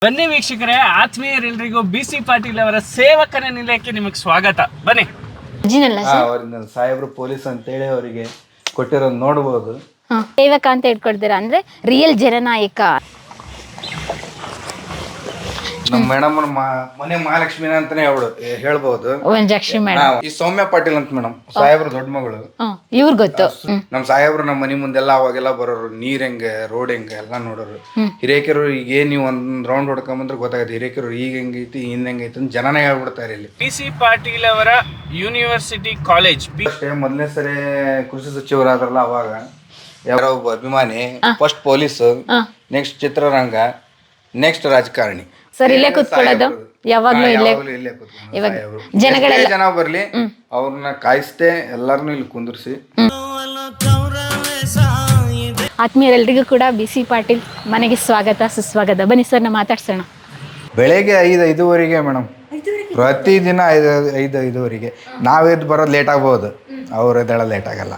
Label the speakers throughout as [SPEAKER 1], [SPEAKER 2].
[SPEAKER 1] ಬನ್ನಿ ವೀಕ್ಷಕರೇ, ಆತ್ಮೀಯರೆಲ್ಲರಿಗೂ ಬಿಸಿ ಪಾಟೀಲ್ ಅವರ ಸೇವಕನ ನಿಲಯಕ್ಕೆ ನಿಮಗೆ ಸ್ವಾಗತ. ಬನ್ನಿ.
[SPEAKER 2] ಅವರಿಂದ ಸಾಹೇಬ್ರು ಪೊಲೀಸ್ ಅಂತೇಳಿ ಅವರಿಗೆ ಕೊಟ್ಟಿರೋದು ನೋಡಬಹುದು.
[SPEAKER 3] ಸೇವಕ ಅಂತ ಹೇಳ್ಕೊಡ್ತೀರಾ ಅಂದ್ರೆ ರಿಯಲ್ ಜನನಾಯಕ.
[SPEAKER 2] ನಮ್ಮ ಮೇಡಮ್ ಮನೆ ಮಹಾಲಕ್ಷ್ಮಿನ ಅಂತಾನೆ ಹೇಳ್ಬಹುದು. ಈ ಸೌಮ್ಯ ಪಾಟೀಲ್ ಅಂತ ಮೇಡಮ್ ಸಾಹೇಬ್ರು ದೊಡ್ಡ ಮಗಳು.
[SPEAKER 3] ಇವ್ರು ಗೊತ್ತು.
[SPEAKER 2] ನಮ್ ಸಾಹೇಬ್ರು ನಮ್ಮ ಮನೆ ಮುಂದೆಲ್ಲ ಅವಾಗೆಲ್ಲ ಬರೋರು, ನೀರ್ ಹೆಂಗೆ ರೋಡ್ ಹೆಂಗೆ ಎಲ್ಲ ನೋಡೋರು. ಹಿರೇಕೆರು ಈಗ ನೀವು ಒಂದ್ ರೌಂಡ್ ಹೊಡ್ಕೊಂಬಂದ್ರೆ ಗೊತ್ತಾಗತ್ತೆ ಹಿರೇಕೆರು ಈಗ ಹೆಂಗೈತಿ ಹಿಂದ್ ಹೆಂಗೈತಿ ಅಂತ ಜನನೇ ಹೇಳ್ಬಿಡ್ತಾರೆ ಇಲ್ಲಿ.
[SPEAKER 1] ಬಿಸಿ ಪಾಟೀಲ್ ಅವರ ಯೂನಿವರ್ಸಿಟಿ ಕಾಲೇಜ್
[SPEAKER 2] ಮೊದಲನೇ ಸರಿ ಕೃಷಿ ಸಚಿವರಾದ್ರಲ್ಲ ಅವಾಗ ಯಾರೋ ಒಬ್ಬ ಅಭಿಮಾನಿ, ಫಸ್ಟ್ ಪೊಲೀಸ್, ನೆಕ್ಸ್ಟ್ ಚಿತ್ರರಂಗ, ನೆಕ್ಸ್ಟ್ ರಾಜಕಾರಣಿ.
[SPEAKER 3] ಸರ್ ಇಲ್ಲೇ ಕೂತ್ಕೊಳ್ಳೋದು ಯಾವಾಗ್ಲೂ ಇಲ್ಲೇ
[SPEAKER 2] ಜನ ಬರ್ಲಿ ಅವ್ರನ್ನ ಕಾಯಿಸ್ತೇ ಎಲ್ಲಾರನು ಇಲ್ಲಿ ಕುಂದಿರ್ಸಿ.
[SPEAKER 3] ಆತ್ಮೀಯರೆಲ್ರಿಗೂ ಕೂಡ ಬಿಸಿ ಪಾಟೀಲ್ ಮನೆಗೆ ಸ್ವಾಗತ ಸುಸ್ವಾಗತ. ಬನ್ನಿ ಸರ್ ನಾ ಮಾತಾಡ್ಸೋಣ.
[SPEAKER 2] ಬೆಳಗ್ಗೆ 5:05 ಮೇಡಮ್, ಪ್ರತಿದಿನ 5:05 ನಾವೆದ್ದು ಬರೋದು ಲೇಟ್ ಆಗ್ಬೋದು, ಅವ್ರು ಎದ್ದೇಳ ಲೇಟ್ ಆಗಲ್ಲ.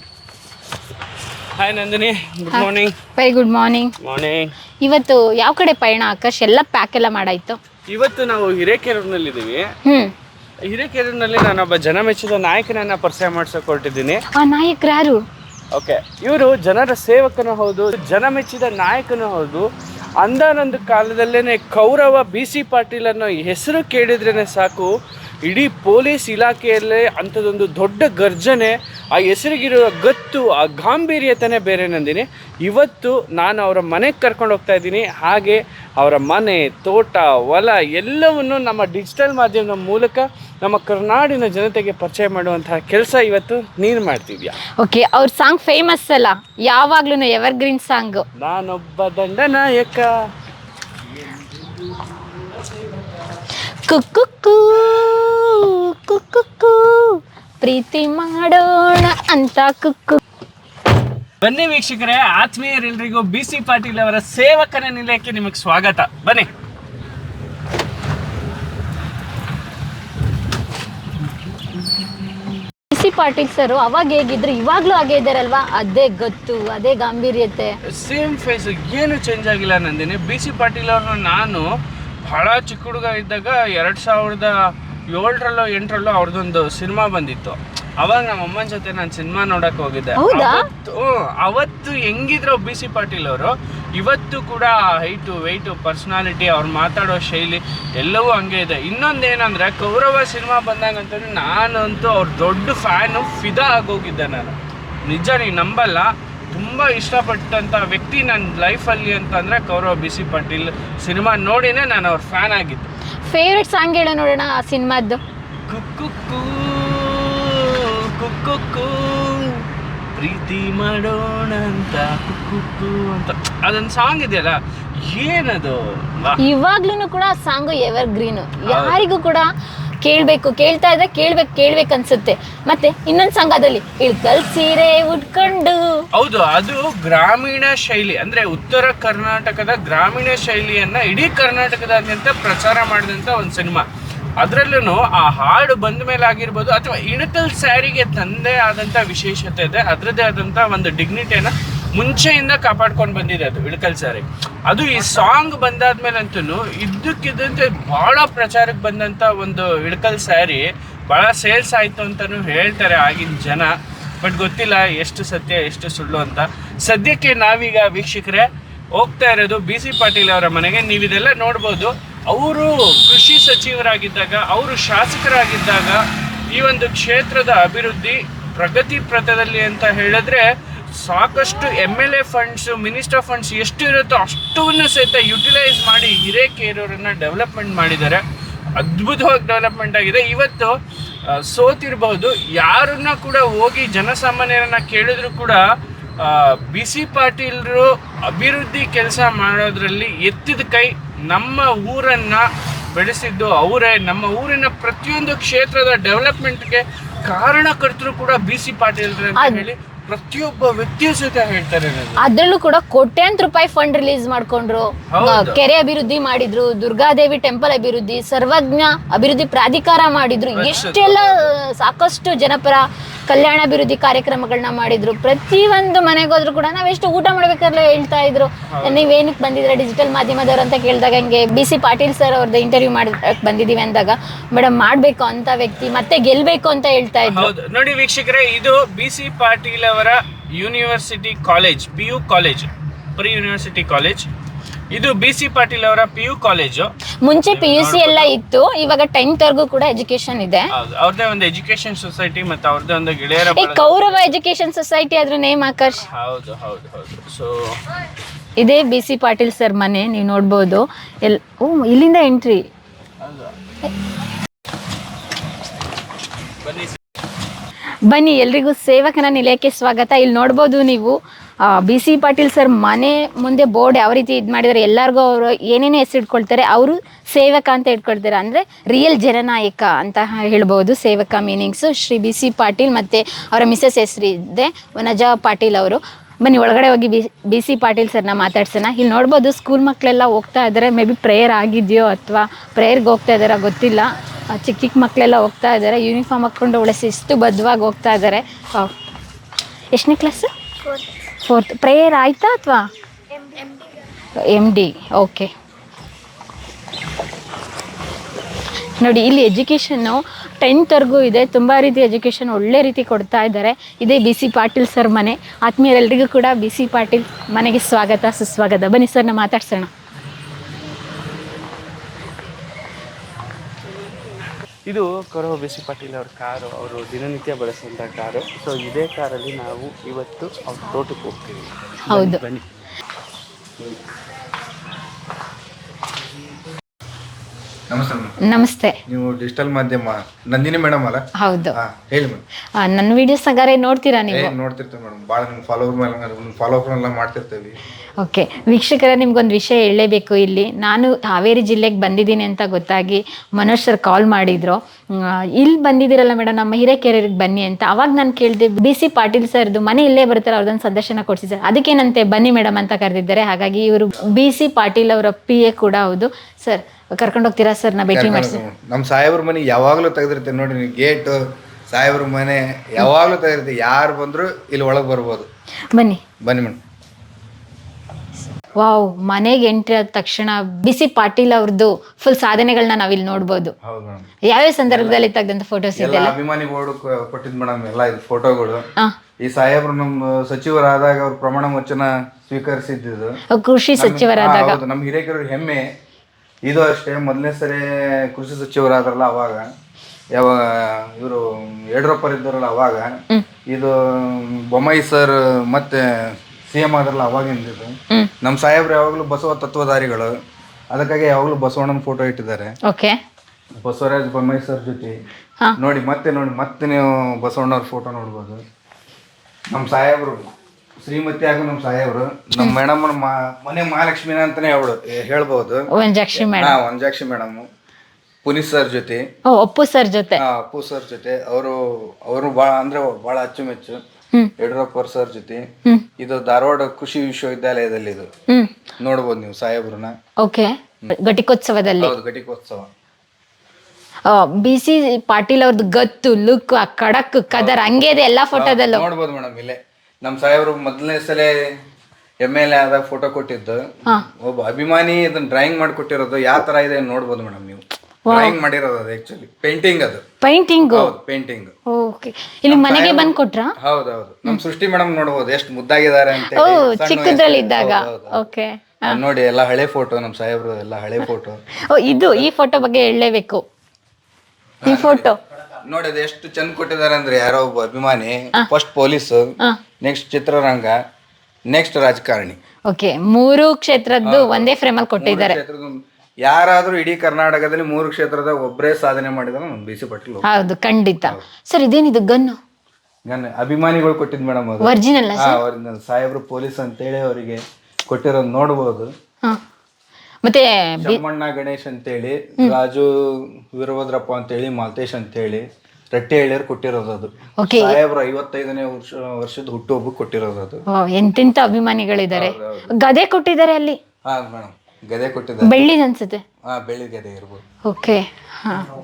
[SPEAKER 1] Hi Nandini, good morning.
[SPEAKER 3] Very good morning.
[SPEAKER 1] Morning.
[SPEAKER 3] ಇವತ್ತು ಯಾವ ಕಡೆ ಪಯಣ ಆಕಾಶ್? ಎಲ್ಲ ಪ್ಯಾಕ್ ಎಲ್ಲ ಮಾಡಾಯ್ತು.
[SPEAKER 1] ಇವತ್ತು ನಾವು ಹಿರೇಕೆರೂರಿನಲ್ಲಿದ್ದೀವಿ. ಹಿರೇಕೆರೂರಿನಲ್ಲಿ ನಾನೊಬ್ಬ ಜನಮೆಚ್ಚಿದ ನಾಯಕನನ್ನ ಪರಿಚಯ ಮಾಡ್ಸಕ್ ಹೊರಟಿದ್ದೀನಿ.
[SPEAKER 3] ಆ ನಾಯಕರು ಯಾರು?
[SPEAKER 1] ಓಕೆ, ಇವರು ಜನರ ಸೇವಕನೂ ಹೌದು, ಜನಮೆಚ್ಚಿದ ನಾಯಕನೂ ಹೌದು. ಅಂದಾನೊಂದು ಕಾಲದಲ್ಲೇನೆ ಕೌರವ ಬಿಸಿ ಪಾಟೀಲ್ ಅನ್ನೋ ಹೆಸರು ಕೇಳಿದ್ರೇನೆ ಸಾಕು, ಇಡೀ ಪೊಲೀಸ್ ಇಲಾಖೆಯಲ್ಲೇ ಅಂಥದ್ದೊಂದು ದೊಡ್ಡ ಗರ್ಜನೆ. ಆ ಹೆಸರಿಗಿರುವ ಗತ್ತು, ಆ ಗಾಂಭೀರ್ಯತೆನೇ ಬೇರೆ ನಂದಿನಿ. ಇವತ್ತು ನಾನು ಅವರ ಮನೆಗೆ ಕರ್ಕೊಂಡು ಹೋಗ್ತಾ ಇದ್ದೀನಿ. ಹಾಗೆ ಅವರ ಮನೆ, ತೋಟ, ಹೊಲ ಎಲ್ಲವನ್ನು ನಮ್ಮ ಡಿಜಿಟಲ್ ಮಾಧ್ಯಮದ ಮೂಲಕ ನಮ್ಮ ಕರ್ನಾಡಿನ ಜನತೆಗೆ ಪರಿಚಯ ಮಾಡುವಂತಹ ಕೆಲಸ ಇವತ್ತು ನೀನು ಮಾಡ್ತಿದ್ಯಾ.
[SPEAKER 3] ಓಕೆ, ಅವ್ರ ಸಾಂಗ್ ಫೇಮಸ್ ಅಲ್ಲ, ಯಾವಾಗ್ಲೂ ಎವರ್ಗ್ರೀನ್ ಸಾಂಗ್.
[SPEAKER 1] ನಾನೊಬ್ಬ ದಂಡನಾಯಕ,
[SPEAKER 3] ಕುಕ್ಕು ಕುಕ್ಕು ಪ್ರೀತಿ ಮಾಡೋಣ ಅಂತ ಕುಕ್ಕು.
[SPEAKER 1] ಬನ್ನಿ ವೀಕ್ಷಕರೇ, ಆತ್ಮೀಯರೆಲ್ಲರಿಗೂ ಬಿಸಿ ಪಾಟೀಲ್ ಅವರ ಸೇವಕನ ನಿಲಯಕ್ಕೆ ನಿಮಗೆ ಸ್ವಾಗತ. ಬನ್ನಿ.
[SPEAKER 3] ಬಿಸಿ ಪಾಟೀಲ್ ಸರ್ ಅವಾಗ ಹೇಗಿದ್ರು ಇವಾಗ್ಲೂ ಹಾಗೆ ಇದ್ದಾರಲ್ವಾ? ಅದೇ ಗತ್ತು, ಅದೇ ಗಾಂಭೀರ್ಯತೆ,
[SPEAKER 1] ಸೇಮ್ ಫೇಸ್, ಏನು ಚೇಂಜ್ ಆಗಿಲ್ಲ ನಂದಿನಿ. ಬಿಸಿ ಪಾಟೀಲ್ ಅವ್ರನ್ನ ನಾನು ಬಹಳ ಚಿಕ್ಕ ಹುಡುಗ ಇದ್ದಾಗ 2007ರಲ್ಲೋ 8ರಲ್ಲೋ ಅವ್ರದ್ದೊಂದು ಸಿನಿಮಾ ಬಂದಿತ್ತು. ಅವಾಗ ನಮ್ಮ ಅಮ್ಮನ ಜೊತೆ ನಾನು ಸಿನಿಮಾ ನೋಡಕ್ ಹೋಗಿದ್ದೆ. ಅವತ್ತು ಹೆಂಗಿದ್ರು ಬಿಸಿ ಪಾಟೀಲ್ ಅವರು, ಇವತ್ತು ಕೂಡ ಹೈಟು ವೆಯ್ಟು ಪರ್ಸನಾಲಿಟಿ, ಅವ್ರು ಮಾತಾಡೋ ಶೈಲಿ ಎಲ್ಲವೂ ಹಂಗೆ ಇದೆ. ಇನ್ನೊಂದೇನಂದ್ರೆ ಕೌರವ ಸಿನಿಮಾ ಬಂದಾಗಂತಂದ್ರೆ ನಾನಂತೂ ಅವ್ರ ದೊಡ್ಡ ಫ್ಯಾನು, ಫಿದಾ ಆಗೋಗಿದ್ದೆ ನಾನು. ನಿಜ, ನೀವು ನಂಬಲ್ಲ, ತುಂಬ ಇಷ್ಟಪಟ್ಟಂಥ ವ್ಯಕ್ತಿ ನನ್ನ ಲೈಫಲ್ಲಿ ಅಂತಂದರೆ ಕೌರವ ಬಿಸಿ ಪಾಟೀಲ್. ಸಿನಿಮಾ ನೋಡಿನೇ ನಾನು ಅವ್ರ ಫ್ಯಾನ್ ಆಗಿದ್ದು.
[SPEAKER 3] ಫೇವ್ರೆಟ್ ಸಾಂಗ್ ಹೇಳೋ ನೋಡೋಣ ಆ ಸಿನಿಮಾದ್ದು.
[SPEAKER 1] ಕುಕ್ಕು ಕುಕ್ಕು ಪ್ರೀತಿ ಮಾಡೋಣ ಅಂತ ಕುಕ್ಕು ಅಂತ ಅದೊಂದು ಸಾಂಗ್ ಇದೆಯಲ್ಲ, ಏನದು
[SPEAKER 3] ಇವಾಗ್ಲೂ ಕೂಡ ಆ ಸಾಂಗು ಎವರ್ ಗ್ರೀನು. ಯಾರಿಗೂ ಕೂಡ ಕೇಳ್ತಾ ಇದ್ರೆ ಕೇಳ್ಬೇಕು ಅನ್ಸುತ್ತೆ. ಮತ್ತೆ ಇನ್ನೊಂದು ಸಾಂಗ್ ಅದರಲ್ಲಿ ಇಳ್ಕಲ್ ಸೀರೆ ಉಟ್ಕೊಂಡು,
[SPEAKER 1] ಹೌದು, ಅದು ಗ್ರಾಮೀಣ ಶೈಲಿ, ಅಂದ್ರೆ ಉತ್ತರ ಕರ್ನಾಟಕದ ಗ್ರಾಮೀಣ ಶೈಲಿಯನ್ನ ಇಡೀ ಕರ್ನಾಟಕದಾದ್ಯಂತ ಪ್ರಚಾರ ಮಾಡಿದಂತ ಒಂದು ಸಿನಿಮಾ. ಅದರಲ್ಲೂ ಆ ಹಾಡು ಬಂದ ಮೇಲೆ ಆಗಿರ್ಬೋದು, ಅಥವಾ ಇಣಕಲ್ ಸ್ಯಾರಿಗೆ ತಂದೇ ಆದಂಥ ವಿಶೇಷತೆ ಇದೆ. ಅದರದ್ದೇ ಆದಂಥ ಒಂದು ಡಿಗ್ನಿಟಿಯನ್ನು ಮುಂಚೆಯಿಂದ ಕಾಪಾಡ್ಕೊಂಡು ಬಂದಿದೆ ಅದು ಇಳಕಲ್ ಸ್ಯಾರಿ. ಅದು ಈ ಸಾಂಗ್ ಬಂದಾದ್ಮೇಲೆ ಅಂತೂ ಇದ್ದಕ್ಕಿದ್ದಂತೆ ಭಾಳ ಪ್ರಚಾರಕ್ಕೆ ಬಂದಂಥ ಒಂದು ಇಳಕಲ್ ಸ್ಯಾರಿ ಭಾಳ ಸೇಲ್ಸ್ ಆಯಿತು ಅಂತಲೂ ಹೇಳ್ತಾರೆ ಆಗಿನ ಜನ. ಬಟ್ ಗೊತ್ತಿಲ್ಲ ಎಷ್ಟು ಸತ್ಯ ಎಷ್ಟು ಸುಳ್ಳು ಅಂತ. ಸದ್ಯಕ್ಕೆ ನಾವೀಗ ವೀಕ್ಷಕರೇ ಹೋಗ್ತಾ ಇರೋದು ಬಿಸಿ ಪಾಟೀಲ್ ಅವರ ಮನೆಗೆ. ನೀವು ಇದೆಲ್ಲ ನೋಡ್ಬೋದು. ಅವರು ಕೃಷಿ ಸಚಿವರಾಗಿದ್ದಾಗ, ಅವರು ಶಾಸಕರಾಗಿದ್ದಾಗ ಈ ಒಂದು ಕ್ಷೇತ್ರದ ಅಭಿವೃದ್ಧಿ ಪ್ರಗತಿ ಪಥದಲ್ಲಿ ಅಂತ ಹೇಳಿದ್ರೆ ಸಾಕಷ್ಟು MLA ಫಂಡ್ಸು, ಮಿನಿಸ್ಟರ್ ಫಂಡ್ಸ್ ಎಷ್ಟು ಇರುತ್ತೋ ಅಷ್ಟನ್ನು ಸಹಿತ ಯುಟಿಲೈಸ್ ಮಾಡಿ ಹಿರೇಕೆರೂರನ್ನ ಡೆವಲಪ್ಮೆಂಟ್ ಮಾಡಿದ್ದಾರೆ. ಅದ್ಭುತವಾಗಿ ಡೆವಲಪ್ಮೆಂಟ್ ಆಗಿದೆ. ಇವತ್ತು ಸೋತಿರಬಹುದು, ಯಾರನ್ನ ಕೂಡ ಹೋಗಿ ಜನಸಾಮಾನ್ಯರನ್ನ ಕೇಳಿದ್ರು ಕೂಡ ಬಿಸಿ ಪಾಟೀಲ್ರು ಅಭಿವೃದ್ಧಿ ಕೆಲಸ ಮಾಡೋದ್ರಲ್ಲಿ ಎತ್ತಿದ ಕೈ. ನಮ್ಮ ಊರನ್ನ ಬೆಳೆಸಿದ್ದು ಅವರೇ. ನಮ್ಮ ಊರಿನ ಪ್ರತಿಯೊಂದು ಕ್ಷೇತ್ರದ ಡೆವಲಪ್ಮೆಂಟ್ಗೆ ಕಾರಣಕರ್ತರು ಕೂಡ ಬಿಸಿ ಪಾಟೀಲ್ರು ಅಂತ ಹೇಳಿ ಪ್ರತಿಯೊಬ್ಬ ವ್ಯಕ್ತಿಯ ಸಹಿತ ಹೇಳ್ತಾರೆ.
[SPEAKER 3] ಅದ್ರಲ್ಲೂ ಕೂಡ ಕೋಟ್ಯಾಂತರ ರೂಪಾಯಿ ಫಂಡ್ ರಿಲೀಸ್ ಮಾಡ್ಕೊಂಡ್ರು, ಕೆರೆ ಅಭಿವೃದ್ಧಿ ಮಾಡಿದ್ರು, ದುರ್ಗಾದೇವಿ ಟೆಂಪಲ್ ಅಭಿವೃದ್ಧಿ, ಸರ್ವಜ್ಞ ಅಭಿವೃದ್ಧಿ ಪ್ರಾಧಿಕಾರ ಮಾಡಿದ್ರು. ಎಷ್ಟೆಲ್ಲ ಸಾಕಷ್ಟು ಜನಪರ ಕಲ್ಯಾಣಾಭಿವೃದ್ಧಿ ಕಾರ್ಯಕ್ರಮಗಳನ್ನ ಮಾಡಿದ್ರು. ಪ್ರತಿಯೊಂದು ಮನೆಗೆ ಹೋದ್ರು ಕೂಡ ನಾವೆಷ್ಟು ಊಟ ಮಾಡ್ಬೇಕಾದ್ರೆ ಹೇಳ್ತಾ ಇದ್ರು, ನೀವೇನಕ್ಕೆ ಬಂದಿದ್ರೆ ಡಿಜಿಟಲ್ ಮಾಧ್ಯಮದವ್ರು ಅಂತ ಕೇಳಿದಾಗ ಹಿಂಗೆ BC ಪಾಟೀಲ್ ಸರ್ ಅವ್ರದ್ದು ಇಂಟರ್ವ್ಯೂ ಮಾಡಕ್ಕೆ ಬಂದಿದ್ದೀವಿ ಅಂದಾಗ ಮೇಡಮ್ ಮಾಡಬೇಕು ಅಂತ ವ್ಯಕ್ತಿ ಮತ್ತೆ ಗೆಲ್ಬೇಕು ಅಂತ ಹೇಳ್ತಾ ಇದ್ರು.
[SPEAKER 1] ಹೌದು ನೋಡಿ ವೀಕ್ಷಕರೇ, ಇದು BC ಪಾಟೀಲ್ ಅವರ university college, PU college, pre university college. ಇದು BC ಪಾಟೀಲ್ ಅವರ PU ಕಾಲೇಜು.
[SPEAKER 3] ಮುಂಚೆ PUC ಎಲ್ಲ ಇತ್ತು, ಇವಾಗ 10th ವರೆಗೂ ಕೂಡ ಎಜುಕೇಶನ್ ಇದೆ.
[SPEAKER 1] ಅವ್ರದೇ ಒಂದು ಎಜುಕೇಶನ್ ಸೊಸೈಟಿ ಮತ್ತೆ ಅವ್ರದೇ ಒಂದು ಗೆಳೆಯರ
[SPEAKER 3] ಕೌರವ ಎಜುಕೇಶನ್ ಸೊಸೈಟಿ ಅದ್ರ ನೇಮ್ ಆಕರ್ಷ್.
[SPEAKER 1] ಹೌದು ಹೌದು ಹೌದು. ಸೊ
[SPEAKER 3] ಇದೇ BC ಪಾಟೀಲ್ ಸರ್ ಮನೆ, ನೀವು ನೋಡ್ಬೋದು. ಇಲ್ಲಿಂದ ಎಂಟ್ರಿ. ಬನ್ನಿ, ಎಲ್ರಿಗೂ ಸೇವಕನ ನಿಲಯಕ್ಕೆ ಸ್ವಾಗತ. ಇಲ್ಲಿ ನೋಡ್ಬೋದು ನೀವು BC ಪಾಟೀಲ್ ಸರ್ ಮನೆ ಮುಂದೆ ಬೋರ್ಡ್ ಯಾವ ರೀತಿ ಇದು ಮಾಡಿದ್ದಾರೆ. ಎಲ್ಲರಿಗೂ ಅವರು ಏನೇನೇ ಹೆಸರಿಟ್ಕೊಳ್ತಾರೆ, ಅವರು ಸೇವಕ ಅಂತ ಇಟ್ಕೊಳ್ತಾರೆ. ಅಂದರೆ ರಿಯಲ್ ಜನನಾಯಕ ಅಂತ ಹೇಳ್ಬೋದು. ಸೇವಕ ಮೀನಿಂಗ್ಸು ಶ್ರೀ BC ಪಾಟೀಲ್ ಮತ್ತು ಅವರ ಮಿಸಸ್ ಹೆಸರಿದೆ ವನಜಾ ಪಾಟೀಲ್ ಅವರು. ಬನ್ನಿ ಒಳಗಡೆ ಹೋಗಿ BC ಪಾಟೀಲ್ ಸರ್ನ ಮಾತಾಡ್ಸೋಣ. ಇಲ್ಲಿ ನೋಡ್ಬೋದು ಸ್ಕೂಲ್ ಮಕ್ಕಳೆಲ್ಲ ಹೋಗ್ತಾ ಇದ್ದಾರೆ. ಮೇ ಬಿ ಪ್ರೇಯರ್ ಆಗಿದೆಯೋ ಅಥವಾ ಪ್ರೇಯರ್ಗೆ ಹೋಗ್ತಾ ಇದ್ದಾರಾ ಗೊತ್ತಿಲ್ಲ. ಚಿಕ್ಕ ಚಿಕ್ಕ ಮಕ್ಕಳೆಲ್ಲ ಹೋಗ್ತಾ ಇದ್ದಾರೆ, ಯೂನಿಫಾರ್ಮ್ ಹಾಕ್ಕೊಂಡು ಒಳ್ಳೆ ಶಿಸ್ತುಬದ್ಧವಾಗಿ ಹೋಗ್ತಾ ಇದ್ದಾರೆ. ಎಷ್ಟನೇ ಕ್ಲಾಸು? 4th. ಪ್ರೇಯರ್ ಆಯಿತಾ ಅಥವಾ MD? ಓಕೆ. ನೋಡಿ ಇಲ್ಲಿ ಎಜುಕೇಷನ್ನು 10th ವರೆಗೂ ಇದೆ. ತುಂಬ ರೀತಿ ಎಜುಕೇಷನ್ ಒಳ್ಳೆ ರೀತಿ ಕೊಡ್ತಾ ಇದ್ದಾರೆ. ಇದೇ BC ಪಾಟೀಲ್ ಸರ್ ಮನೆ. ಆತ್ಮೀಯರೆಲ್ಲರಿಗೂ ಕೂಡ BC ಪಾಟೀಲ್ ಮನೆಗೆ ಸ್ವಾಗತ ಸುಸ್ವಾಗತ. ಬನ್ನಿ ಸರ್ನ ಮಾತಾಡ್ಸೋಣ.
[SPEAKER 1] ಇದು ಕೌರವ BC ಪಾಟೀಲ್ ಅವ್ರ ಕಾರು, ಅವರು ದಿನನಿತ್ಯ ಬಳಸುವಂಥ ಕಾರು. ಸೊ ಇದೇ ಕಾರಲ್ಲಿ ನಾವು ಇವತ್ತು ಅವ್ರ ತೋಟಕ್ಕೆ ಹೋಗ್ತೀವಿ.
[SPEAKER 3] ಹೌದು.
[SPEAKER 1] ಬನ್ನಿ.
[SPEAKER 2] ನಮಸ್ತೆ.
[SPEAKER 3] ನಮಸ್ತೆ.
[SPEAKER 2] ನೀವು ಡಿಜಿಟಲ್ ಮಾಧ್ಯಮ ನಂದಿನಿ ಮೇಡಮ್ ಅಲ್ಲ?
[SPEAKER 3] ಹೌದು.
[SPEAKER 2] ಹೇಳಿ ಮೇಡಮ್.
[SPEAKER 3] ನನ್ನ ವಿಡಿಯೋಸ್ ಹಂಗಾರೆ ನೋಡ್ತೀರಾ ನೀವು?
[SPEAKER 2] ನೋಡ್ತಿರ್ತೇವೆ ಮೇಡಮ್, ಭಾಳ ನಿಮ್ಮ ಫಾಲೋವರ್ ಎಲ್ಲ ಮಾಡ್ತಿರ್ತೇವೆ.
[SPEAKER 3] ಓಕೆ ವೀಕ್ಷಕರ, ನಿಮ್ಗೊಂದು ವಿಷಯ ಹೇಳಲೇಬೇಕು. ಇಲ್ಲಿ ನಾನು ಹಾವೇರಿ ಜಿಲ್ಲೆಗೆ ಬಂದಿದ್ದೀನಿ ಅಂತ ಗೊತ್ತಾಗಿ ಮನೋಜ್ ಸರ್ ಕಾಲ್ ಮಾಡಿದ್ರು. ಇಲ್ಲಿ ಬಂದಿದ್ದೀರಲ್ಲ ಮೇಡಮ್, ನಮ್ಮ ಹಿರೇಕೆರೆಗೆ ಬನ್ನಿ ಅಂತ. ಅವಾಗ ನಾನು ಕೇಳಿದೆ, BC ಪಾಟೀಲ್ ಸರ್ದು ಮನೆ ಇಲ್ಲೇ ಬರ್ತಾರೆ, ಅವ್ರದ್ದೊಂದು ಸಂದರ್ಶನ ಕೊಡ್ಸಿದ್ದಾರೆ. ಅದಕ್ಕೇನಂತೆ ಬನ್ನಿ ಮೇಡಮ್ ಅಂತ ಕರೆದಿದ್ದಾರೆ. ಹಾಗಾಗಿ ಇವರು BC ಪಾಟೀಲ್ ಅವರ PA ಕೂಡ ಹೌದು. ಸರ್ ಕರ್ಕೊಂಡು ಹೋಗ್ತೀರಾ ಸರ್? ನಾ ಭೇಟಿ ಮಾಡಿಸಿ.
[SPEAKER 2] ನಮ್ಮ ಸಾಹೇಬ್ರ ಮನೆ ಯಾವಾಗಲೂ ತೆಗೆದಿರ್ತೇವೆ ನೋಡಿ ನೀವು. ಗೇಟು ಸಾಹೇಬ್ರ ಮನೆ ಯಾವಾಗಲೂ ತೆಗೆದಿರ್ತೀವಿ. ಯಾರು ಬಂದರೂ ಇಲ್ಲಿ ಒಳಗೆ ಬರ್ಬೋದು.
[SPEAKER 3] ಬನ್ನಿ
[SPEAKER 2] ಬನ್ನಿ ಮೇಡಮ್.
[SPEAKER 3] ವಾವ್, ಮನೆಗೆ ಎಂಟ್ರಿ ಆದ ತಕ್ಷಣ BC ಪಾಟೀಲ್ ಅವ್ರದ್ದು ಫುಲ್ ಸಾಧನೆಗಳನ್ನ ನಾವಿಲ್ಲಿ ನೋಡ್ಬೋದು.
[SPEAKER 2] ಹೌದು ಮೇಡಮ್.
[SPEAKER 3] ಯಾವ್ಯಾವ ಸಂದರ್ಭದಲ್ಲಿ ತೆಗೆದಂತ ಫೋಟೋಸ್
[SPEAKER 2] ಎಲ್ಲ ಅಭಿಮಾನಿಗಳು ಕೊಟ್ಟಿದ್ ಮೇಡಮ್ ಎಲ್ಲ ಇದು ಫೋಟೋಗಳು. ಈ ಸಾಹೇಬ್ರು ನಮ್ಮ ಸಚಿವರಾದಾಗ ಅವ್ರ ಪ್ರಮಾಣ ವಚನ ಸ್ವೀಕರಿಸಿದ್ದು,
[SPEAKER 3] ಕೃಷಿ ಸಚಿವರಾದಾಗ.
[SPEAKER 2] ನಮ್ಮ ಹಿರೇಕೆರೂರು ಹೆಮ್ಮೆ. ಇದು ಅಷ್ಟೇ, ಮೊದಲನೇ ಸರಿ ಕೃಷಿ ಸಚಿವರಾದ್ರಲ್ಲ ಅವಾಗ, ಯಾವಾಗ ಇವರು ಯಡಿಯೂರಪ್ಪರ್ ಇದ್ದಾರಲ್ಲ ಅವಾಗ, ಇದು ಬೊಮ್ಮಾಯಿ ಸರ್ ಮತ್ತೆ CM ಆದ್ರಲ್ಲ ಅವಾಗಿಂದ. ಇದು ನಮ್ಮ ಸಾಹೇಬ್ರು ಯಾವಾಗಲೂ ಬಸವ ತತ್ವಧಾರಿಗಳು, ಅದಕ್ಕಾಗಿ ಯಾವಾಗಲೂ ಬಸವಣ್ಣನ ಫೋಟೋ ಇಟ್ಟಿದ್ದಾರೆ.
[SPEAKER 3] ಓಕೆ.
[SPEAKER 2] ಬಸವರಾಜ ಬೊಮ್ಮಾಯಿ ಸರ್ ಜೊತೆ ನೋಡಿ ಮತ್ತೆ ನೀವು ಬಸವಣ್ಣವ್ರ ಫೋಟೋ ನೋಡ್ಬೋದು. ನಮ್ಮ ಸಾಹೇಬ್ರು ಶ್ರೀಮತಿ ಹಾಗೂ ನಮ್ಮ ಸಾಹೇಬ್ರು, ನಮ್ಮ ಮೇಡಮ್ ಮನೆ ಮಹಾಲಕ್ಷ್ಮಿನ ಅಂತಾನೆ ಹೇಳ್ಬೋದು.
[SPEAKER 3] Vanjakshi madam.
[SPEAKER 2] Vanjakshi madam Puneeth sir ಜೊತೆ,
[SPEAKER 3] ಅಪ್ಪು ಸರ್ ಜೊತೆ.
[SPEAKER 2] ಅಪ್ಪು ಸರ್ ಜೊತೆ ಅವರು ಭಾಳ ಅಚ್ಚುಮೆಚ್ಚು. ಯಡಿಯೂರಪ್ಪ ಸರ್ ಜೊತೆ. ಇದು ಧಾರವಾಡ ಕೃಷಿ ವಿಶ್ವವಿದ್ಯಾಲಯದಲ್ಲಿ ಇದು ನೋಡ್ಬೋದು ನೀವು ಸಾಹೇಬ್ರನ್ನ.
[SPEAKER 3] ಓಕೆ. ಘಟಿಕೋತ್ಸವದಲ್ಲಿ.
[SPEAKER 2] ಹೌದು, ಘಟಿಕೋತ್ಸವ.
[SPEAKER 3] BC ಪಾಟೀಲ್ ಅವ್ರದ್ದು ಗತ್ತು, ಲುಕ್, ಕಡಕ್, ಕದರ್ ಹಂಗೆ ಇದೆ ಎಲ್ಲಾ ಫೋಟೋದಲ್ಲೂ
[SPEAKER 2] ನೋಡ್ಬೋದು ಮೇಡಮ್. ಇಲ್ಲೇ ನಮ್ಮ ಸಾಹೇಬ್ರು ಮೊದಲನೇ ಸಲ MLA ಆದಾಗ ಫೋಟೋ ಕೊಟ್ಟಿದ್ದು. ಒಬ್ಬ ಅಭಿಮಾನಿ ಇದನ್ನ ಡ್ರಾಯಿಂಗ್ ಮಾಡಿಕೊಟ್ಟಿರೋದು ಯಾವ ತರ ಇದೆ ನೋಡ್ಬೋದು ಮೇಡಮ್ ನೀವು. ಡ್ರಾಯಿಂಗ್ ಮಾಡಿರೋದು ಅದು ಆಕ್ಚುಲಿ ಪೇಂಟಿಂಗ್. ಅದು
[SPEAKER 3] ಪೇಂಟಿಂಗ್.
[SPEAKER 2] ಪೇಂಟಿಂಗ್.
[SPEAKER 3] ಓಕೆ. ಇಲ್ಲಿ ಮನೆಗೆ ಬಂದು ಕೊಟ್ರಾ?
[SPEAKER 2] ಹೌದೌದು. ನಮ್ಮ ಸೃಷ್ಟಿ ಮೇಡಮ್ ನೋಡ್ಬೋದು ಎಷ್ಟು ಮುದ್ದಾಗಿದ್ದಾರೆ ಅಂತ.
[SPEAKER 3] ಚಿಕ್ಕದ್ರಲ್ಲಿ ಇದ್ದಾಗ. ಓಕೆ.
[SPEAKER 2] ನೋಡಿ ಎಲ್ಲ ಹಳೆ ಫೋಟೋ, ನಮ್ಮ ಸಾಹೇಬ್ರು ಎಲ್ಲ ಹಳೆ ಫೋಟೋ.
[SPEAKER 3] ಈ ಫೋಟೋ ಬಗ್ಗೆ ಹೇಳಲೇಬೇಕು. ಈ ಫೋಟೋ
[SPEAKER 2] ನೋಡಿ ಅದು ಎಷ್ಟು ಚಂದ ಕೊಟ್ಟಿದ್ದಾರೆ ಅಂದ್ರೆ, ಯಾರೋ ಒಬ್ಬ ಅಭಿಮಾನಿ, ಫಸ್ಟ್ ಪೊಲೀಸ್, ನೆಕ್ಸ್ಟ್ ಚಿತ್ರರಂಗ, ನೆಕ್ಸ್ಟ್ ರಾಜಕಾರಣಿ.
[SPEAKER 3] ಓಕೆ. 3 ಕ್ಷೇತ್ರದ್ದು ಒಂದೇ ಫ್ರೇಮ್ ಅಲ್ಲಿ ಕೊಟ್ಟಿದ್ದಾರೆ.
[SPEAKER 2] ಯಾರಾದ್ರೂ ಇಡೀ ಕರ್ನಾಟಕದಲ್ಲಿ 3 ಕ್ಷೇತ್ರದ ಒಬ್ಬರೇ ಸಾಧನೆ ಮಾಡಿದ್ರೆ ನಮ್ಮ BC ಪಾಟೀಲ್.
[SPEAKER 3] ಹೌದು, ಖಂಡಿತ. ಸರ್ ಇದೇನಿದು ಗನ್ನು?
[SPEAKER 2] ಅಭಿಮಾನಿಗಳು ಕೊಟ್ಟಿದ್ ಮೇಡಮ್. ಅದು
[SPEAKER 3] ಒರಿಜಿನಲ್
[SPEAKER 2] ಸಾಹೇಬ್ರು ಪೊಲೀಸ್ ಅಂತೇಳಿ ಅವರಿಗೆ ಕೊಟ್ಟಿರೋದು ನೋಡ್ಬೋದು.
[SPEAKER 3] ಮತ್ತೆ
[SPEAKER 2] ಚಮ್ಮಣ್ಣ ಗಣೇಶ್ ಅಂತೇಳಿ, ರಾಜು ವೀರಭದ್ರಪ್ಪ ಅಂತೇಳಿ, ಮಾಲ್ತೇಶ್ ಅಂತೇಳಿ ರಟ್ಟಿ ಹಳ್ಳಿಯರು ಕೊಟ್ಟಿರೋದು. ಅದು ಸಾಹೇಬ್ರು 55ನೇ ವರ್ಷದ ಹುಟ್ಟುಹಬ್ಬ ಕೊಟ್ಟಿರೋದು. ಅದು
[SPEAKER 3] ಎಂತೆಂತ ಅಭಿಮಾನಿಗಳಿದ್ದಾರೆ. ಗದೆ ಕೊಟ್ಟಿದ್ದಾರೆ ಅಲ್ಲಿ.
[SPEAKER 2] ಮೇಡಮ್ ಗದೆ ಕೊಟ್ಟಿದ್ದಾರೆ.
[SPEAKER 3] ಬೆಳ್ಳಿದ ಅನ್ಸುತ್ತೆ.
[SPEAKER 2] ಬೆಳ್ಳಿ ಗದೆ ಇರ್ಬೋದು.
[SPEAKER 3] ಓಕೆ.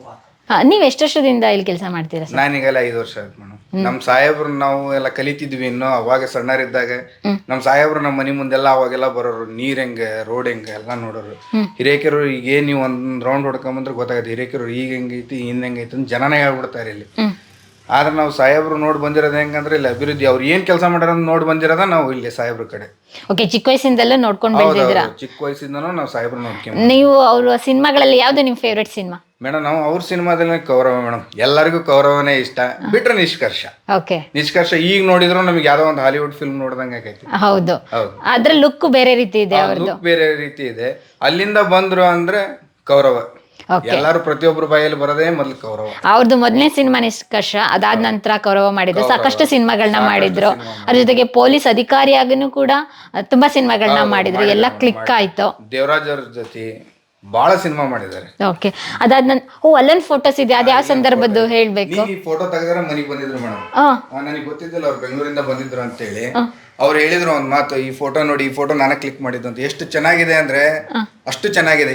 [SPEAKER 3] ನೀವು ಎಷ್ಟು ವರ್ಷದಿಂದ ಇಲ್ಲಿ ಕೆಲಸ ಮಾಡ್ತೀರಾ ಸರ್?
[SPEAKER 2] ನಾನೀಗೆಲ್ಲ 5 ವರ್ಷ ಆಯ್ತು ಮೇಡಮ್. ನಮ್ಮ ಸಾಹೇಬ್ರು ನಾವು ಎಲ್ಲ ಕಲಿತಿದ್ವಿ ಇನ್ನು ಅವಾಗ ಸಣ್ಣರಿದ್ದಾಗ. ನಮ್ಮ ಸಾಹೇಬ್ರು ನಮ್ಮ ಮನೆ ಮುಂದೆಲ್ಲ ಅವಾಗೆಲ್ಲ ಬರೋರು, ನೀರ್ ಹೆಂಗೆ ರೋಡ್ ಹೆಂಗೆ ಎಲ್ಲ ನೋಡೋರು. ಹಿರೇಕೆರು ಈಗ ನೀವು ಒಂದ್ ರೌಂಡ್ ಹೊಡ್ಕೊಂಬಂದ್ರೆ ಗೊತ್ತಾಗುತ್ತೆ ಹಿರೇಕೆರು ಈಗ ಹೆಂಗೈತಿ ಹಿಂದ್ ಹೆಂಗೈತಿ ಅಂತ ಜನನೇ ಹೇಳ್ಬಿಡ್ತಾರೆ ಇಲ್ಲಿ. ಆದ್ರೆ ನಾವು ಸಾಹೇಬ್ರು ನೋಡಿ ಬಂದಿರೋದು ಹೆಂಗಂದ್ರೆ ಇಲ್ಲಿ ಅಭಿವೃದ್ಧಿ ಅವ್ರು ಏನ್ ಕೆಲಸ ಮಾಡ್ಯಾರ ನೋಡಿ ಬಂದಿರೋದ ನಾವು ಇಲ್ಲಿ ಸಾಹೇಬ್ರ ಕಡೆ.
[SPEAKER 3] ಓಕೆ, ಚಿಕ್ಕ ವಯಸ್ಸಿಂದಲೂ ನೋಡ್ಕೊಂಡು ಬೆಳೆದಿದ್ದೀರಾ?
[SPEAKER 2] ಚಿಕ್ಕ ವಯಸ್ಸಿಂದನೂ ನಾವು ಸಾಹೇಬ್ರು ನೋಡ್ಕೊಂಡ್.
[SPEAKER 3] ನೀವು ಅವ್ರ ಸಿನಿಮಾಗಳಲ್ಲಿ ಯಾವ್ದು ನಿಮ್ ಫೇವ್ರೆಟ್ ಸಿನಿಮಾ?
[SPEAKER 2] ಮೇಡಮ್ ನಾವು ಅವ್ರ ಸಿನಿಮಾದಲ್ಲಿ ಕೌರವ ಮೇಡಮ್, ಎಲ್ಲರಿಗೂ ಕೌರವನೇ ಇಷ್ಟ. ಬಿಟ್ರೆ ನಿಷ್ಕರ್ಷ.
[SPEAKER 3] ಓಕೆ,
[SPEAKER 2] ನಿಷ್ಕರ್ಷ ಈಗ ನೋಡಿದ್ರು ನಮಗೆ ಯಾವ್ದೋ ಒಂದು ಹಾಲಿವುಡ್ ಫಿಲ್ಮ್ ನೋಡ್ದಂಗೆ ಆಗೈತಿ.
[SPEAKER 3] ಹೌದು, ಅದ್ರ ಲುಕ್ ಬೇರೆ ರೀತಿ ಇದೆ, ಅವ್ರದ್ದು
[SPEAKER 2] ಬೇರೆ ರೀತಿ ಇದೆ. ಅಲ್ಲಿಂದ ಬಂದ್ರು ಅಂದ್ರೆ ಕೌರವ. ಎಲ್ಲಾರು ಪ್ರತಿಯೊಬ್ಬರು ಬಾಯಲ್ಲಿ ಬರೋದೇ ಮೊದ್ಲು ಕೌರವ. ಅವ್ರದ್ದು
[SPEAKER 3] ಮೊದಲನೇ ಸಿನಿಮಾ ನಿಷ್ಕರ್ಷ, ಅದಾದ ನಂತರ ಕೌರವ ಮಾಡಿದ್ರು. ಸಾಕಷ್ಟು ಸಿನಿಮಾಗಳನ್ನ ಮಾಡಿದ್ರು. ಅದ್ರ ಜೊತೆಗೆ ಪೊಲೀಸ್ ಅಧಿಕಾರಿಯಾಗೂ ಕೂಡ ತುಂಬಾ ಸಿನಿಮಾಗಳನ್ನ ಮಾಡಿದ್ರು. ಎಲ್ಲ ಕ್ಲಿಕ್ ಆಯ್ತು.
[SPEAKER 2] ದೇವರಾಜ್ ಅವ್ರ ಜೊತೆ ಬಹಳ ಸಿನಿಮಾ ಮಾಡಿದ್ದಾರೆ.
[SPEAKER 3] ಓಕೆ, ಅದಾದ ನಂತರ ಅಲ್ಲೊಂದು ಫೋಟೋಸ್ ಇದೆ, ಅದ್ ಯಾವ ಸಂದರ್ಭದ್ದು ಹೇಳ್ಬೇಕು?
[SPEAKER 2] ಈ ಫೋಟೋ ತೆಗೆದ್ರೆ ಮನೆಗೆ ಬಂದಿದ್ರು ಮೇಡಮ್. ನನಗೆ ಗೊತ್ತಿದ್ದಿಲ್ಲ ಅವ್ರು ಬೆಂಗಳೂರಿಂದ ಬಂದಿದ್ರು ಅಂತ ಹೇಳಿ. ಅವ್ರು ಹೇಳಿದ್ರು ಒಂದ್ ಮಾತು, ಈ ಫೋಟೋ ನೋಡಿ, ಈ ಫೋಟೋ ನಾನೇ ಕ್ಲಿಕ್ ಮಾಡಿದ್ದು ಅಂತ. ಎಷ್ಟು ಚೆನ್ನಾಗಿದೆ ಅಂದ್ರೆ ಅಷ್ಟು ಚೆನ್ನಾಗಿದೆ.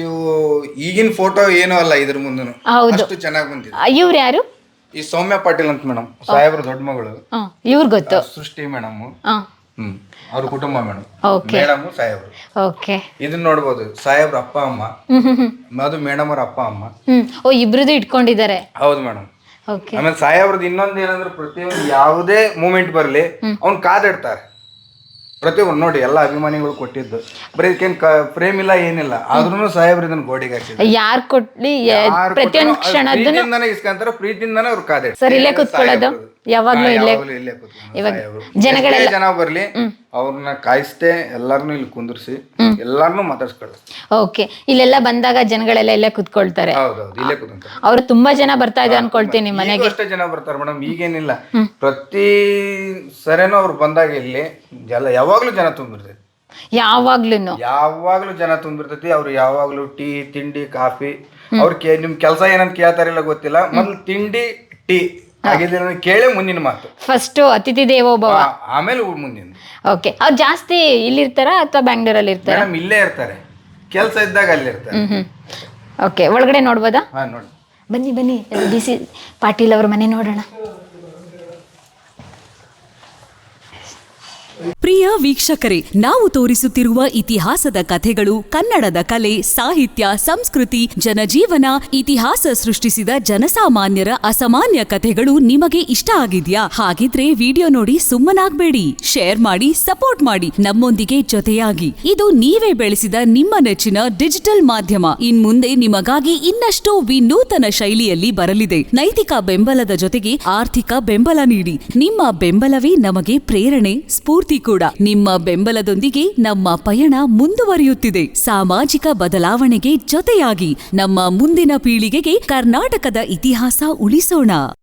[SPEAKER 2] ಈಗಿನ ಫೋಟೋ ಏನೂ ಅಲ್ಲ, ಇದ್ರ ಮುಂದನು ಅಷ್ಟು ಚೆನ್ನಾಗಿ ಬಂದಿದೆ.
[SPEAKER 3] ಇವ್ರು ಯಾರು?
[SPEAKER 2] ಈ ಸೌಮ್ಯ ಪಾಟೀಲ್ ಅಂತ ಮೇಡಮ್, ಸಾಹೇಬ್ರ ದೊಡ್ಡ ಮಗಳು.
[SPEAKER 3] ಇವ್ರು ಗೊತ್ತು?
[SPEAKER 2] ಸೃಷ್ಟಿ ಮೇಡಮ್, ಅವ್ರ ಕುಟುಂಬ ಮೇಡಮ್. ಮೇಡಮ್ ಸಾಹೇಬ್ರು.
[SPEAKER 3] ಓಕೆ, ಇದನ್ನ
[SPEAKER 2] ನೋಡ್ಬೋದು, ಸಾಹೇಬ್ರ ಅಪ್ಪ ಅಮ್ಮ, ಅದು ಮೇಡಮ್ ಅವ್ರ ಅಪ್ಪ ಅಮ್ಮ.
[SPEAKER 3] ಇಬ್ರದ್ದು ಇಟ್ಕೊಂಡಿದ್ದಾರೆ.
[SPEAKER 2] ಹೌದು ಮೇಡಮ್. ಆಮೇಲೆ ಸಾಹೇಬ್ರದ್ದು ಇನ್ನೊಂದು ಏನಂದ್ರೆ ಪ್ರತಿಯೊಂದು ಯಾವುದೇ ಮೂಮೆಂಟ್ ಬರ್ಲಿ ಅವ್ನ್ ಕಾದಿಡ್ತಾರೆ. ಪ್ರತಿಯೊಂದು ನೋಡಿ ಎಲ್ಲ ಅಭಿಮಾನಿಗಳು ಕೊಟ್ಟಿದ್ದು, ಬರೀ ಇದಕ್ಕೇನ್ ಫ್ರೇಮ್ ಇಲ್ಲ ಏನಿಲ್ಲ, ಆದ್ರೂ ಸಾಹೇಬ್ರ ಇದನ್ನ ಗೋಡೆಗೆ ಹಾಕಿದ್ರು.
[SPEAKER 3] ಯಾರು ಕೊಡ್ಲಿ ಪ್ರತಿಯೊಂದು ಕ್ಷಣದನ್ನು
[SPEAKER 2] ಇಸ್ಕೊಂತಾರೆ, ಪ್ರೀತಿಯಿಂದಾನೆ ಅವ್ರು ಕಾದಿಡ್ತಾರೆ.
[SPEAKER 3] ಸರ್, ಇಲ್ಲೇ ಕೂತ್ಕೊಳ್ಳೋದು ಯಾವಾಗ್ಲೂ ಇಲ್ಲೇ. ಇವಾಗ ಜನಗಳೆಲ್ಲ
[SPEAKER 2] ಜನ ಬರ್ಲಿ ಅವ್ರನ್ನ ಕಾಯಿಸ್ತೇ ಎಲ್ಲಾರನು ಇಲ್ಲಿ ಕುಂದಿರ್ಸಿ ಎಲ್ಲಾರನು ಮಾತಾಡ್ಸ್ಕೊಳ್ಳಿ.
[SPEAKER 3] ಓಕೆ, ಇಲ್ಲೆಲ್ಲ ಬಂದಾಗ ಜನಗಳೆಲ್ಲ ಇಲ್ಲೇ ಕುತ್ಕೊಳ್ತಾರೆ.
[SPEAKER 2] ಹೌದೌದು, ಇಲ್ಲೇ ಕೂತ್ಕೊಂತಾರೆ.
[SPEAKER 3] ಅವ್ರು ತುಂಬಾ ಜನ ಬರ್ತಾ ಇದೆ ಅನ್ಕೊಳ್ತೀನಿ ಮನೆಗೆ.
[SPEAKER 2] ಅಷ್ಟೇ ಜನ ಬರ್ತಾರೆ ಮೇಡಮ್, ಈಗೇನಿಲ್ಲ. ಪ್ರತಿ ಸರಿನೂ ಅವ್ರು ಬಂದಾಗ ಇಲ್ಲಿ ಯಾವಾಗ್ಲೂ ಜನ ತುಂಬಿರ್ತೈತಿ. ಯಾವಾಗ್ಲೂ ಜನ ತುಂಬಿರ್ತೈತಿ. ಅವ್ರು ಯಾವಾಗ್ಲೂ ಟೀ ತಿಂಡಿ ಕಾಫಿ, ಅವ್ರ ನಿಮ್ ಕೆಲಸ ಏನಂತ ಕೇಳ್ತಾರಿಲ್ಲ ಗೊತ್ತಿಲ್ಲ, ಮೊದ್ಲು ತಿಂಡಿ ಟೀ ಆಗಿದ್ರೆ ಕೇಳಿ ಮುಂದಿನ ಮಾತು.
[SPEAKER 3] ಫಸ್ಟ್ ಅತಿಥಿ ದೇವೋ ಭವ,
[SPEAKER 2] ಆಮೇಲೆ ಮುಂದಿನ.
[SPEAKER 3] ಓಕೆ, ಅವ್ರು ಜಾಸ್ತಿ ಇಲ್ಲಿರ್ತಾರ ಅಥವಾ ಬ್ಯಾಂಗ್ಳೂರಲ್ಲಿ ಇರ್ತಾರ?
[SPEAKER 2] ಇಲ್ಲೇ ಇರ್ತಾರೆ, ಕೆಲಸ ಇದ್ದಾಗ ಅಲ್ಲಿ ಇರ್ತಾರೆ.
[SPEAKER 3] ಓಕೆ, ಒಳಗಡೆ ನೋಡ್ಬೋದಾ?
[SPEAKER 2] ನೋಡಿ.
[SPEAKER 3] ಬನ್ನಿ ಬನ್ನಿ, BC ಪಾಟೀಲ್ ಅವ್ರ ಮನೆ ನೋಡೋಣ.
[SPEAKER 4] ಪ್ರಿಯ ವೀಕ್ಷಕರೇ, ನಾವು ತೋರಿಸುತ್ತಿರುವ ಇತಿಹಾಸದ ಕಥೆಗಳು ಕನ್ನಡದ ಕಲೆ, ಸಾಹಿತ್ಯ, ಸಂಸ್ಕೃತಿ, ಜನಜೀವನ, ಇತಿಹಾಸ ಸೃಷ್ಟಿಸಿದ ಜನಸಾಮಾನ್ಯರ ಅಸಾಮಾನ್ಯ ಕಥೆಗಳು ನಿಮಗೆ ಇಷ್ಟ ಆಗಿದ್ಯಾ? ಹಾಗಿದ್ರೆ ವಿಡಿಯೋ ನೋಡಿ ಸುಮ್ಮನಾಗ್ಬೇಡಿ, ಶೇರ್ ಮಾಡಿ, ಸಪೋರ್ಟ್ ಮಾಡಿ, ನಮ್ಮೊಂದಿಗೆ ಜೊತೆಯಾಗಿ. ಇದು ನೀವೇ ಬೆಳೆಸಿದ ನಿಮ್ಮ ನೆಚ್ಚಿನ ಡಿಜಿಟಲ್ ಮಾಧ್ಯಮ. ಇನ್ಮುಂದೆ ನಿಮಗಾಗಿ ಇನ್ನಷ್ಟು ವಿನೂತನ ಶೈಲಿಯಲ್ಲಿ ಬರಲಿದೆ. ನೈತಿಕ ಬೆಂಬಲದ ಜೊತೆಗೆ ಆರ್ಥಿಕ ಬೆಂಬಲ ನೀಡಿ. ನಿಮ್ಮ ಬೆಂಬಲವೇ ನಮಗೆ ಪ್ರೇರಣೆ, ಸ್ಫೂರ್ತಿ ಕೂಡ. ನಿಮ್ಮ ಬೆಂಬಲದೊಂದಿಗೆ ನಮ್ಮ ಪಯಣ ಮುಂದುವರಿಯುತ್ತಿದೆ. ಸಾಮಾಜಿಕ ಬದಲಾವಣೆಗೆ ಜೊತೆಯಾಗಿ ನಮ್ಮ ಮುಂದಿನ ಪೀಳಿಗೆಗೆ ಕರ್ನಾಟಕದ ಇತಿಹಾಸ ಉಳಿಸೋಣ.